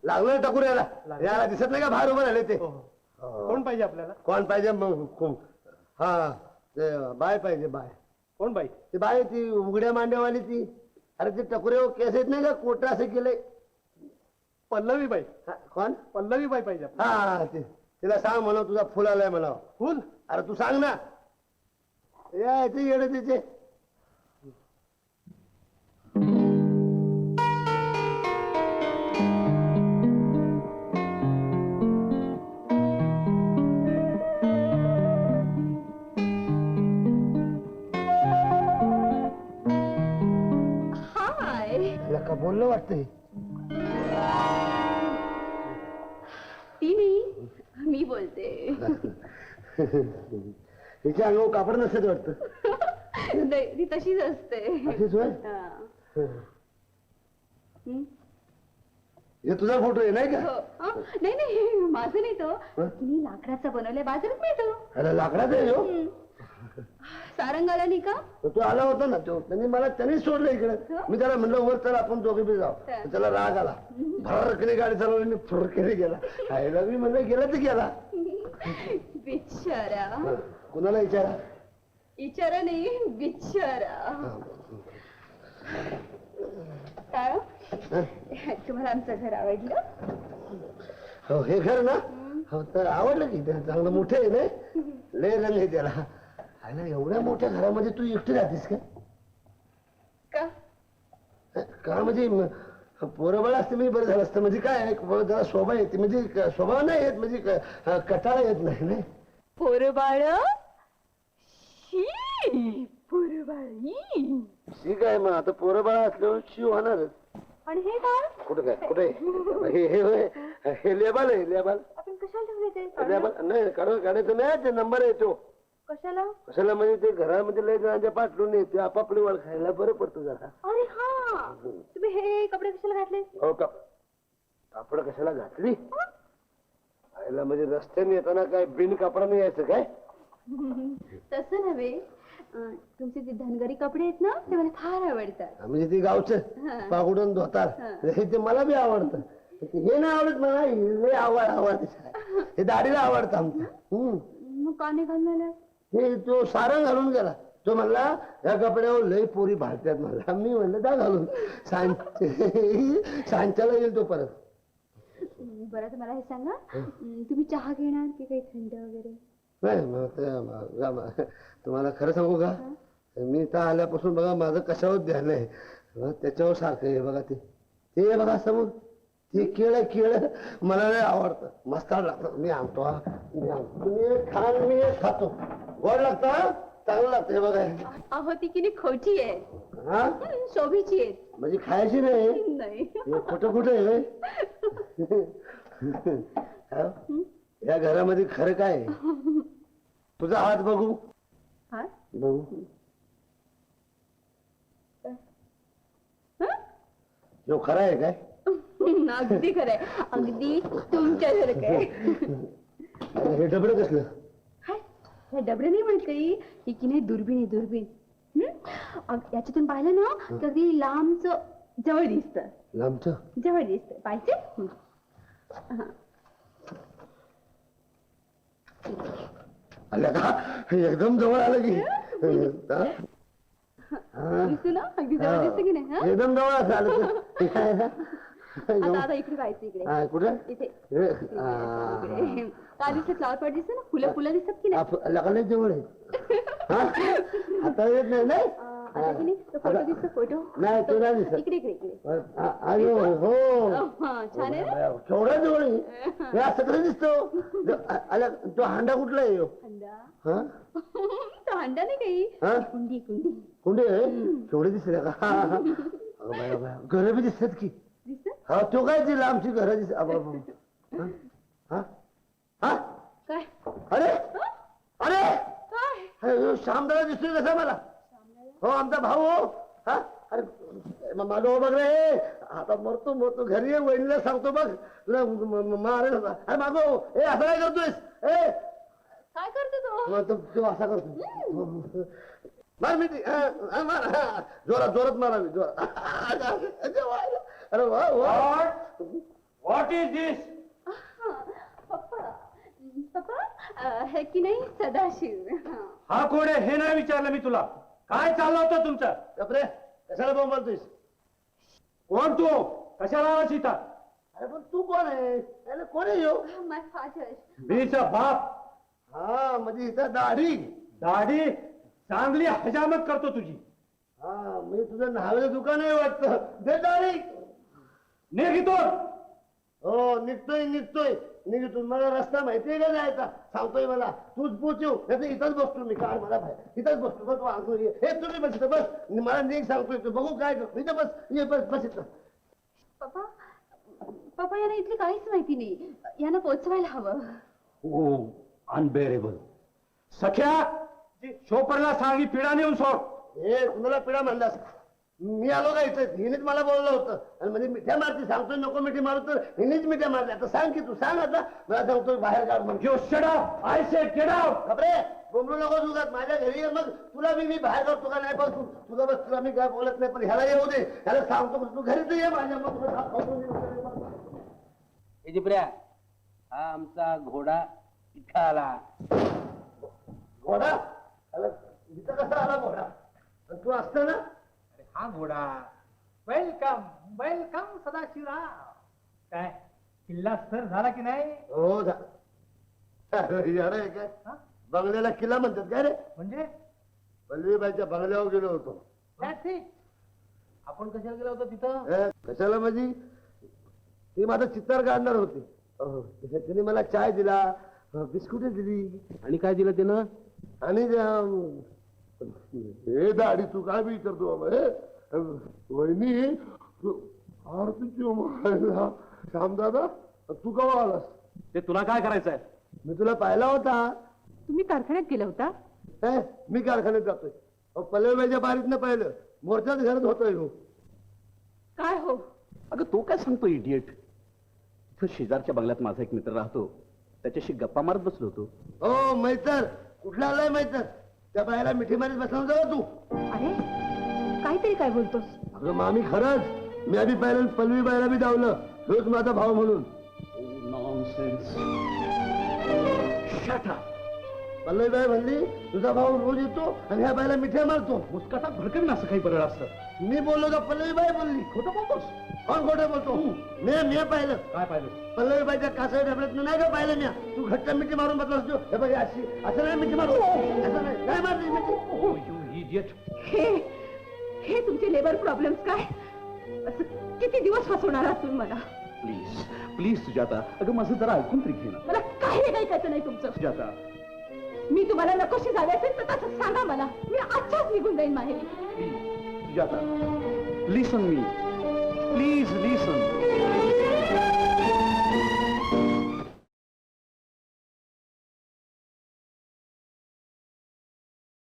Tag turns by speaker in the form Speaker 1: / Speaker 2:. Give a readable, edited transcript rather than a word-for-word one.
Speaker 1: लागलं टाकून याला दिसत नाही का बाहेर उभं राहिले ते?
Speaker 2: कोण पाहिजे आपल्याला?
Speaker 1: कोण पाहिजे मग? हा ते बाय पाहिजे. बाय
Speaker 2: कोण बाई?
Speaker 1: ती बाय ती उघड्या मांड्यावाली ती. अरे ते टकुरे केस येत नाही का कोटा असं केलंय.
Speaker 2: पल्लवी बाई.
Speaker 1: कोण?
Speaker 2: पल्लवी बाई पाहिजे.
Speaker 1: हा तिला सांग म्हणा तुझा फुल आलाय म्हणा.
Speaker 2: फुल?
Speaker 1: अरे तू सांग ना. यायचं येडं तिचे. का बोललो वाटतंय?
Speaker 3: ती नाही, मी बोलते.
Speaker 1: हिच्या अंगावर कापड नसत वाटतं.
Speaker 3: नाही, ती तशीच असते.
Speaker 1: अशीच होय? हे तुझा फोटो आहे नाही का?
Speaker 3: नाही नाही, माझं नाही तो. तिने लाकडाचा बनवलाय, बाजारात मिळतो.
Speaker 1: अरे लाकडाचा आहे हो?
Speaker 3: सारंग आला नाही का?
Speaker 1: तो आला होता ना तो. त्यांनीच सोडलं इकडे. मी त्याला म्हणलं वर चला आपण दोघे बी जाऊ. त्याला राग आला. फरकने गाडी चालवली, फरकने गेला. खायला मी म्हणलं गेला तर गेला.
Speaker 3: बिचारा.
Speaker 1: कुणाला विचारा?
Speaker 3: विचारा नाही, बिचारा. काय तुम्हाला आमचं घर आवडलं?
Speaker 1: हो हे घर ना? हो तर आवडलं की. चांगलं मोठं आहे ना. लय रंग आहे त्याला. एवढ्या मोठ्या घरामध्ये तू एकटी राहतेस का? का म्हणजे पोरबळ असते म्हणजे बरं झालं असतं. म्हणजे काय जरा शोभा येते. म्हणजे स्वभाव नाही येत, म्हणजे कटाळा येत नाही ना.
Speaker 3: पोरबाळ? पोरबाळी
Speaker 1: ठीक आहे. मग आता पोरबाळ असल्यावर शिव होणारच.
Speaker 3: आणि हे काय?
Speaker 1: कुठं काय? कुठे हे लेबल आहे. लेबल
Speaker 3: आपण कशाला ठेवले ते?
Speaker 1: लेबल नाही काढायचं नाही. ते नंबर आहे तो.
Speaker 3: कशाला?
Speaker 1: कशाला म्हणजे ते घरामध्ये लय जणांच्या पाठवून येते. आपापली वळ खायला बरं पडतो जरा.
Speaker 3: अरे हा, तुम्ही हे कपडे कशाला घातले?
Speaker 1: हो का? कापड कशाला घातली? खायला म्हणजे रस्त्याने येताना काय बिन कपडाने यायचं काय?
Speaker 3: तसं नव्हे, तुमचे जे धनगरी कपडे आहेत ना ते मला फार आवडतात.
Speaker 1: म्हणजे ते गावचं पागुडून धोतात ते मला बी आवडतं. हे नाही आवडत मला. लय आवड हे दाढीला आवडतं आमचं.
Speaker 3: मग का नाही घालून?
Speaker 1: हे तो सारंग घालून गेला. तो म्हणला या कपड्यावर लय पोरी भाळतात मला. मी म्हणलं जा घालून. सांच्याला येईल तो परत.
Speaker 3: बरं तर मला हे सांगा, तुम्ही चहा घेणार की काही थंड वगैरे?
Speaker 1: नाही तुम्हाला खरं सांगू का? मी इथं आल्यापासून बघा माझं कशावर ध्यान नाही. त्याच्यावर सारखं आहे बघा. ते बघा समोर ते केळ मला लय आवडतं. मस्त लागतं. मी आणतो. मी खातो. गोड लागतं, चांगलं लागतं. हे बघा.
Speaker 3: अहो ती किती खोटी आहे.
Speaker 1: हा
Speaker 3: शोभीची आहे.
Speaker 1: म्हणजे खायची नाही. खोटं कुठं आहे? या घरामध्ये खरं काय? तुझा हात बघू. बघू. जो खरा आहे काय?
Speaker 3: अगदी खरंय. अगदी तुमच्यासारखं आहे.
Speaker 1: हे डबडं कसलं?
Speaker 3: हे डबडे नाही म्हणत काही. ही की नाही दुर्बीण आहे, दुर्बीण. याच्यातून पाहिलं ना तर अगदी लांबच जवळ दिसत.
Speaker 1: लांबच
Speaker 3: जवळ दिसत. पाहिजे?
Speaker 1: आल्या का? एकदम जवळ आलं की.
Speaker 3: दिसतो ना? अगदी जवळ दिसत की नाही?
Speaker 1: एकदम जवळ असं आलं.
Speaker 3: आता इकडे पाहायचं. इकडे
Speaker 1: कुठे?
Speaker 3: इथे काय दिसत? फ्लॉवर पॉट दिसत ना? फुलं दिसत की नाही?
Speaker 1: लगाले जवळ आहे. आता येत नाही.
Speaker 3: फोटो दिसतो. फोटो
Speaker 1: नाही तो नाही दिसत.
Speaker 3: इकडे इकडे इकडे.
Speaker 1: अरे हो
Speaker 3: छान आहे ना?
Speaker 1: केवढा जवळ आहे. हे असं कसं दिसतो? तो हांडा कुठला आहे?
Speaker 3: हंडा? तो हंडा नाही काही. कुंडी कुंडी
Speaker 1: कुंडी आहे. केवढे दिसले का? घर बी दिसतात की. हा तो काय ती लांबची घर दिसत.
Speaker 3: काय?
Speaker 1: अरे अरे श्यामदादा दिसतोय कसा मला? हो आमचा भाऊ. अरे मालो बघ रे. आता मरतो घरी ये. वहिनीला सांगतो बघ तुला मारेल. अरे मागो. असं काय करतोयस?
Speaker 3: काय करतो
Speaker 1: तो असा करतो. मार मी जोरात मारा मी जोरात. अरे वा वा.
Speaker 4: What is this?
Speaker 3: पप्पा पप्पा हे की नाही सदाशिव
Speaker 4: हा कोण आहे हे नाही विचारलं मी तुला. काय चाललं होतं तुमचं?
Speaker 1: बापरे कशाला बोलतोयस?
Speaker 4: कोण तू? कशाला आलास इथं?
Speaker 1: अरे पण तू कोण आहे? अरे कोण आहे ह्यो?
Speaker 3: माय फादर.
Speaker 4: मीचा बाप.
Speaker 1: हा म्हणजे इथं दाढी.
Speaker 4: दाढी चांगली हजामत करतो तुझी.
Speaker 1: हा म्हणजे तुझं नावेचं दुकान आहे वाटतं. दे दाढी.
Speaker 4: निघितून.
Speaker 1: हो निघतोय निघतून. मला रस्ता माहितीये का जायचा? सांगतोय मला. तूच पोचव नाही इथंच बसतो मी. काय मला बाहेर इथंच बसतो. बस आणतो हे तुम्ही बस इथं बस. मला निघ सांगतोय तू बघू काय करतो. इथं बस ये बस बस इथं.
Speaker 3: पप्पा पप्पा यांना इथली काहीच माहिती नाही. यांना पोचवायला हवं.
Speaker 4: Oh unbearable. सख्या शोपरला सांगी पिढा नेऊन सोड.
Speaker 1: हे कुणाला पिढा म्हणलास? मी आलो का इथं? हिनेच मला बोललं होतं आणि म्हणजे मिठ्या मारती. सांगतोय नको मिठी मारू तर हिनेच मिठ्या मारल्या. आता सांग की तू सांग आता. मला सांगतोय बाहेर काढ म्हणून.
Speaker 4: You shut up! I said get out!
Speaker 1: खबरे बोंबलू नको तुझ्यात. माझ्या घरी ये मग तुला मी बाहेर काढतो का नाही बघ. तू तुझं बस. तुला मी काय बोलत नाही पण ह्याला येऊ दे. ह्याला सांगतो तू घरी तर ये माझ्या. मग तुला दाखवतो.
Speaker 5: जिब्र्या हा आमचा घोडा इथं आला.
Speaker 1: घोडा अरे इथं कसा आला घोडा? आणि तू असतं ना.
Speaker 2: हा घोडा. Welcome welcome Sadashivrao. काय किल्ला सर झाला की नाही?
Speaker 1: हो अरे काय
Speaker 2: हा?
Speaker 1: बंगल्याला किल्ला म्हणतात काय रे?
Speaker 2: म्हणजे
Speaker 1: पल्लवीबाईच्या बंगल्यावर गेलो होतो.
Speaker 2: That's it.
Speaker 5: आपण कशाला गेलो होतो तिथं?
Speaker 1: कशाला म्हणजे ती माझं चित्तर काढणार होती. तिने मला चाय दिला, बिस्कुट दिली
Speaker 5: आणि काय दिलं त्यानं?
Speaker 1: आणि हे दाढी तू काय विचारतो बाबा? वहिनी आरतीची श्यामदादा तू केव्हा आलास?
Speaker 4: ते तुला काय करायचंय?
Speaker 1: मी तुला पाहिला होता.
Speaker 3: तुम्ही कारखान्यात गेला होता?
Speaker 1: मी कारखान्यात जातोय. पल्लवीबाईच्या बारीतनं पाहिलं. मोर्चाच घरात होतोय हो.
Speaker 3: काय हो?
Speaker 6: अगं तो काय सांगतो इडियट. इथं शेजारच्या बंगल्यात माझा एक मित्र राहतो. त्याच्याशी गप्पा मारत बसलो होतो.
Speaker 1: हो मैतर. कुठला आलाय मैतर? त्या बाहेर मिठी मारीत बसला होता का तू?
Speaker 3: अरे काहीतरी काय बोलतोस?
Speaker 1: अगं मामी खरंच. मी आधी पाहिलं पल्लवीबाईला बी धावलं. हेच माझा भाव म्हणून.
Speaker 6: नॉनसेन्स. Shut up.
Speaker 1: पल्लवीबाई म्हणली तुझा भाऊ रोज येतो आणि ह्या बाईला मिठ्या मारतो.
Speaker 4: मुस्काटा भडकवीन असं काही बरं असतं.
Speaker 1: मी बोललो का पल्लवीबाई बोलली?
Speaker 4: खोटं बोलतोस.
Speaker 1: कोण खोटं बोलतो? मी पाहिलं.
Speaker 4: काय पाहिलं?
Speaker 1: पल्लवीबाईच्या कासळी डबड्यात नाही का पाहिलं मी? तू घट्ट मिठी मारून बसला असतो. हे बघ अशी असं नाही मिठी मारू. असं नाही काय मारली मिठी?
Speaker 4: You idiot.
Speaker 3: हे तुमचे लेबर प्रॉब्लेम्स काय? असं किती दिवस फसवणार आहात तुम्ही मला?
Speaker 6: Please please Sujata. अगं माझं जरा ऐकून तरी घे ना.
Speaker 3: मला काही ऐकायचं नाही तुमचं.
Speaker 6: सुजाता
Speaker 3: मी तुम्हाला नकोशी झाले असेल तर तसं सांगा मला. मी आजच्याच निघून जाईन माहेरी.
Speaker 6: प्लीज सुजाता लिसन मी. प्लीज लिसन.